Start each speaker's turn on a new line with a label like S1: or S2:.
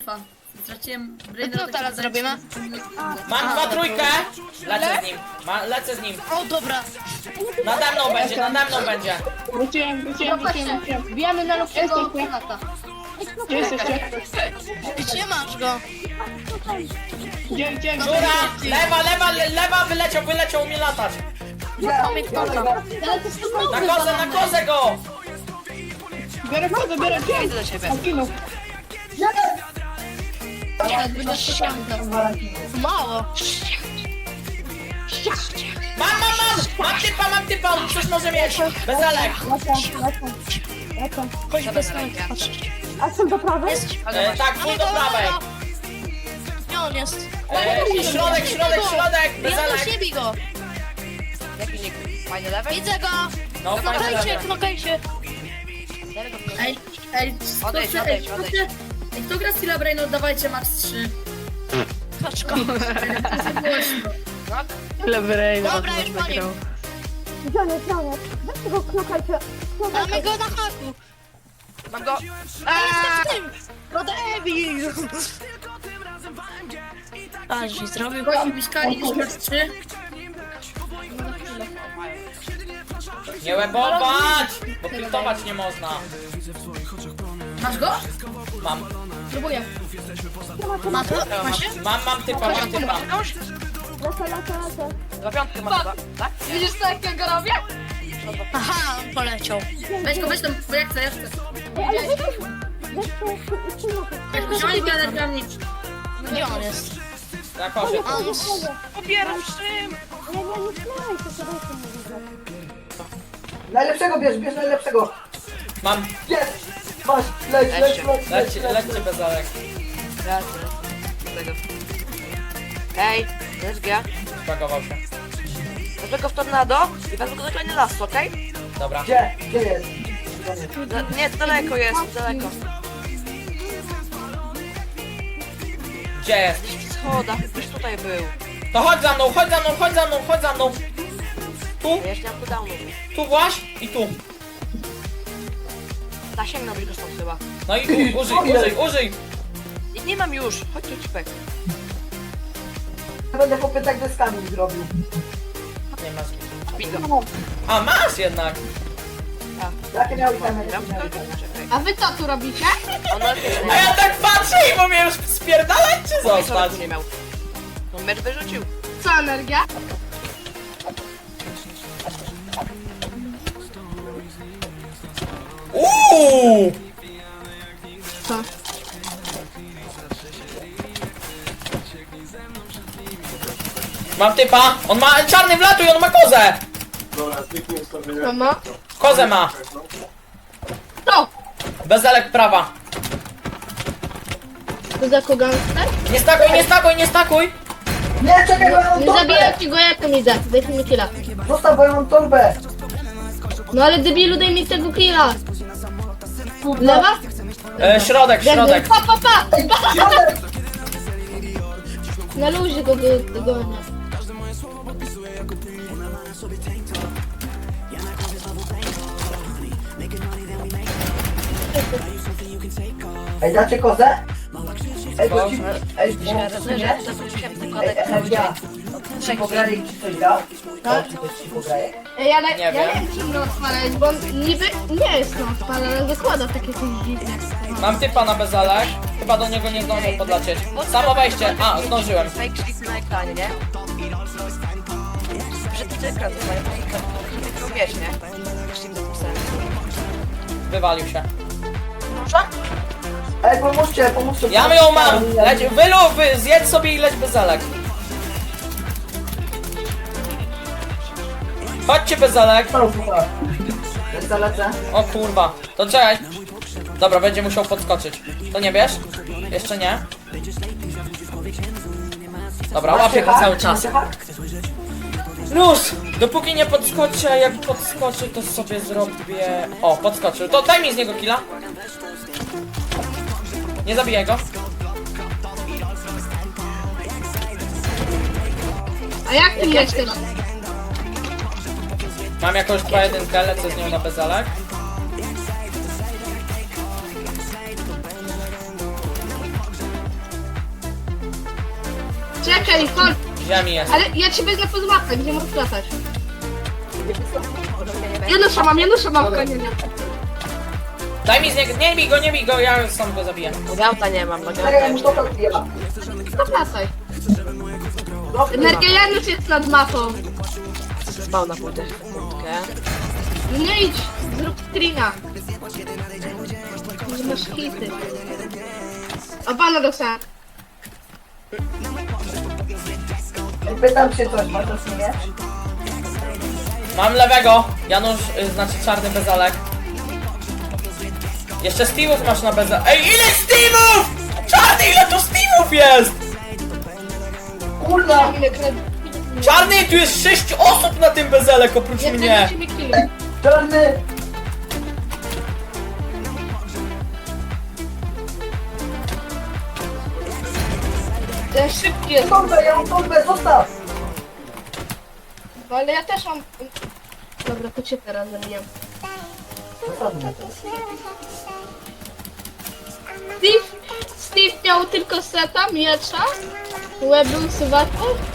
S1: defa. Straciłem
S2: No co teraz zrobimy?
S3: Mam 2-3. Lecę z nim. Lecę z nim.
S2: O, dobra.
S3: Nade mną będzie, nade mną będzie.
S4: Wróciłem.
S2: Wbijamy na luftego granata.
S4: Gdzie jesteście?
S2: Gdzie masz go?
S4: Gdzie?
S3: Góra! Lewa, wyleciał, umie latać.
S2: Mamy ktoka.
S3: Na kozę go!
S4: Biorę kodę, gdzie?
S2: Idę do ciebie.
S4: Zginął.
S2: Mało.
S3: Mam typa, on coś może mieć. Bezelek.
S2: Chodź bez
S5: A są do prawej?
S3: Tak, full do prawej.
S2: Gdzie on jest?
S3: I środek,
S2: Ja
S3: bezelek.
S2: nie bij go.
S6: Jaki nick? Fajny level?
S2: Widzę go.
S3: No, fajny
S2: Knokajcie,
S3: level.
S2: knokajcie.
S1: Ej,
S6: Odejdź.
S1: Ej, kto gra Stila Brain, oddawajcie max 3.
S2: Kaczko.
S4: Lewy
S2: Dobra, już po nim.
S5: Gdzie on jest? Weź tego knokajcie.
S2: Mamy go na haku.
S6: Mam go.
S2: Jestem w tym. No debil. A, żeś zrobił.
S1: Chodź, Miszkali, niż max 3.
S3: Nie łebować, bo piltować nie można.
S1: Masz go?
S3: Mam.
S1: Próbuję.
S2: Ma to? Ma się?
S3: Mam typa.
S5: Lecę.
S6: 2 piątki mam chyba. Tak?
S1: Widzisz co, jak ja go robię?
S2: Aha, on poleciał.
S1: Weź tam, bo ja chcę.
S5: Ej, ale weź
S1: Weź go, zieloni energiami.
S2: Gdzie on jest?
S3: Na kozie.
S2: A, on jest...
S6: Popieram z czym?
S5: Ale nie śmiałeś, to sobie jeszcze nie widzę.
S7: Najlepszego bierz najlepszego.
S3: Mam.
S7: Jest! Masz,
S3: Lećcie bezelek.
S6: Tego. Ej, SG.
S3: Spagował się.
S6: Wezmę go w tornado i wezmę go do kolejny las, okej?
S3: Dobra.
S7: Gdzie jest?
S6: Nie, daleko jest, daleko.
S3: Gdzie jest?
S6: W schodach, już tutaj był.
S3: To chodź za mną. Tu,
S6: Ja jeszcze nie mam cooldownu.
S3: tu właśnie i tu.
S6: Zasięgnąłbyś go stąd chyba.
S3: No i tu, użyj.
S6: Nie mam już, chodź tu cipek.
S7: Będę chłopie tak deskami zrobił.
S3: Nie masz.
S6: Bij go.
S3: A, masz jednak.
S7: Jakie miał itemy?
S6: Ja czekaj.
S1: A wy co tu robicie?
S6: On nawet
S3: A ja tak patrzę i bo mnie już spierdalać czy zostać?
S6: nie miał. On mecz wyrzucił.
S1: Co, energia?
S3: Uuu! Mam typa, on ma czarny wlatuj, on ma kozę! Kozę ma!
S1: To!
S3: Bezelek prawa.
S2: To za kogo gangster?
S3: Nie stakuj!
S7: Nie, czekaj, bo ja mam
S2: Nie
S7: torbę!
S2: zabijaj ci go, jak on idzie. Daj mi killa.
S7: Zostaw, bo ja mam torbę!
S2: No ale debilu, daj mi tego killa. Lewa?
S3: Środek.
S2: Pa!
S7: Ej, środek!
S2: Na luzie go dogonię.
S7: Ej, dacie kozę? Ej, bo ci... Ej, bo... Ej, energia. Ci pograli, czy coś dał? Tak? Czy coś ci pograje?
S1: Ej, ale
S3: Nie
S1: ja
S3: wiem.
S1: nie wiem, czy go odpalać, bo on niby nie jest no odpalany, ale wykłada takie coś dziwne.
S3: Mam typa na bezelek. Chyba do niego nie zdążę podlecieć. Samo wejście. A, zdążyłem.
S6: Fake sheet na ekranie, nie? Przed ekran, to mają tylko wiesz, nie? Sheet do sensu.
S3: Wywalił się.
S7: Ej, pomóżcie!
S3: Ja ją mam! Zjedz sobie i leć bezelek. Chodźcie bezelek.
S7: Lecę.
S3: O kurwa. To czekaj. Dobra, będzie musiał podskoczyć. To nie wiesz? Jeszcze nie. Dobra, łapię go cały czas. Luz! Dopóki nie podskoczy, a jak podskoczy, to sobie zrobię... O, podskoczył. To daj mi z niego killa. Nie zabijaj go.
S1: A jak ty jesteś?
S3: Mam jakąś 2-1, lecę z nią na bezelek.
S1: Czekaj, chodź.
S3: Ziemi jest.
S1: Ale ja cię wezmę pod mapę, gdzie możesz latać. Janusza mam, konia.
S3: Daj mi z niego, nie bij go, ja sam go zabiję.
S6: Gauta nie mam, no
S7: Czekaj,
S6: gauta
S7: mu
S6: już
S7: to odbija.
S1: To lataj. Energia Janusz jest nad mapą.
S6: spał na pójdę. Sekundkę.
S1: No nie idź, zrób screena. Że masz hity. O, bana dostałem.
S7: Pytam się coś, masz to nie?
S3: Mam lewego, Janusz, znaczy czarny bezalek. Jeszcze Steve'ów masz na bezalek. Ej, ile Steve'ów! Czarny, ile tu Steve'ów jest!
S7: Kurwa!
S1: Ile kredyt?
S3: Czarny, tu jest 6 osób na tym bezelek oprócz
S1: Jak
S3: mnie.
S1: będzie mi kill.
S7: Czarny!
S1: Ten szybki jest.
S7: Torbę, ja mam torbę, zostaw!
S1: No ale ja też mam... Dobra, to cię teraz zamieniam.
S7: Zostaw mnie.
S2: Steve miał tylko seta, miecza, łeb był suwaku